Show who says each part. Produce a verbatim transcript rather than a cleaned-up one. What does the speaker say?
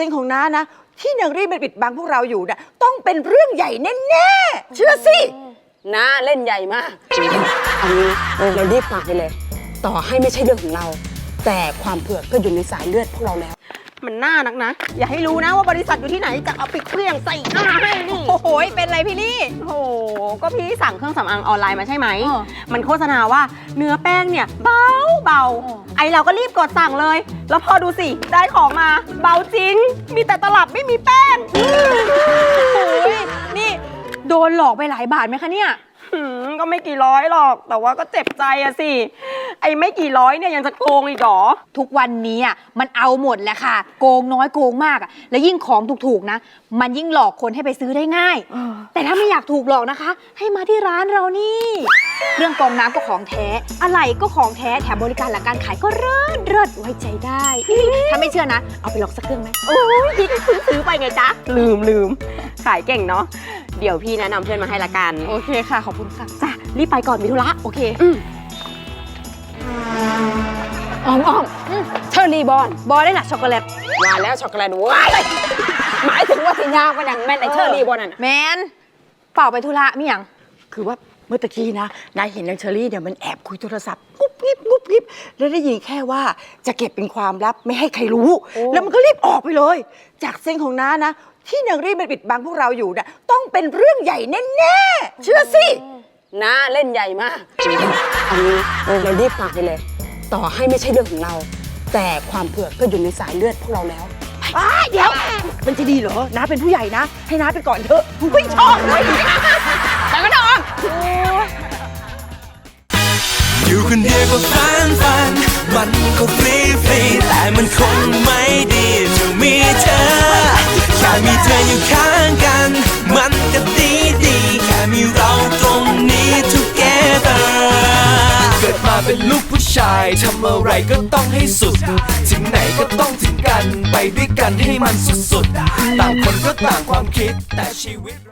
Speaker 1: เซนของน้านะที่นางรีบมันปิดบังพวกเราอยู่นะต้องเป็นเรื่องใหญ่แน่ๆเชื่อสิ
Speaker 2: น้าเล่นใหญ่มากเอางี้เรารีบฝากไปเลย ต่อให้ไม่ใช่เรื่องของเรา แต่ความเผือกก็อยู่ในสายเลือดพวกเราแล้ว
Speaker 3: มันน่านักนะอย่าให้รู้นะว่าบริษัทอยู่ที่ไหนจะเอาไปเครื่องใส่หน้าให้นี่โอ้โหเป็นไรพี่ลี่โอ้โหก็พี่สั่งเครื่องสำอางออนไลน์มาใช่ไหมมันโฆษณาว่าเนื้อแป้งเนี่ยเบาเบาไอเราก็รีบกดสั่งเลยแล้วพอดูสิได้ของมาเบาจริงมีแต่ตลับไม่มีแป้งโอ้ยนี่โดนหลอกไปหลายบาทไหมคะเนี่ยก็ไม่กี่ร้อยหรอกแต่ว่าก็เจ็บใจอะสิไอ้ไม่กี่ร้อยเนี่ยยังจะโกงอีกหรอ
Speaker 4: ทุกวันนี้อ่ะมันเอาหมดแหละค่ะโกงน้อยโกงมากอ่ะแล้วยิ่งของถูกๆนะมันยิ่งหลอกคนให้ไปซื้อได้ง่ายแต่ถ้าไม่อยากถูกหลอกนะคะให้มาที่ร้านเรานี่เครื่องกรองน้ำก็ของแท้อะไหล่ก็ของแท้แถมบริการหลังการขายก็เลิศเลิศไว้ใจได้ถ้าไม่เชื่อนะเอาไปลองสักเครื่องไหม
Speaker 3: โอ้ยพี่ซื้อซื้อไปไงจ๊ะลืมลืมขายเก่งเนาะเดี๋ยวพี่แนะนำเพื่อนมาให้ละกัน
Speaker 4: โอเคค่ะขอบคุณค่ะ
Speaker 3: จ้ะรีบไปก่อนมีธุระโอเค
Speaker 2: อ้อมอ้อมเชอร์รี่บอล
Speaker 4: บอลได้หนักช็อกโกแลต
Speaker 2: ว่าแล้วช็อกโกแลตว้ายหมายถึงว่าสิยาวกันอย่างแม่นไอเชอร์รี่บอลน่ะ
Speaker 4: แมนเปล่าไปธุระมิยัง
Speaker 1: คือว่าเมื่อตะกี้นะนายเห็นนางเชอรี่เนี่ยมันแอบคุยโทรศัพท์งุบงิบงุบงิบแล้วได้ยินแค่ว่าจะเก็บเป็นความลับไม่ให้ใครรู้แล้วมันก็รีบออกไปเลยจากเซนของน้านะที่นางรีบมันปิดบังพวกเราอยู่นะต้องเป็นเรื่องใหญ่แน่ๆเชื่อสิ
Speaker 2: น้าเล่นใหญ่มากเอางี้เรารีบฝากไปเลยต่อให้ไม่ใช่เรื่องของเราแต่ความเผือกก็อยู่ในสายเลือดพวกเราแล้ว
Speaker 1: เดี๋ยวมันจะดีเหรอน้าเป็นผู้ใหญ่นะให้น้าไปก่อนเถอะไม่ชอบเลย
Speaker 4: แต่ก็ต้อง
Speaker 5: อยู่คนเดียวก็ฟันฟันมันก็ฟรีฟรีแต่มันคงไม่ดีจะมีเธอแค่มีเธออยู่ข้างกันมันก็ดีดีแค่มีเราตรงนี้ together เกิดมาเป็นลูกผู้ชายทำอะไรก็ต้องให้สุดถึงไหนก็ต้องถึงกันไปด้วยกันให้มันสุดๆต่างคนก็ต่างความคิดแต่ชีวิต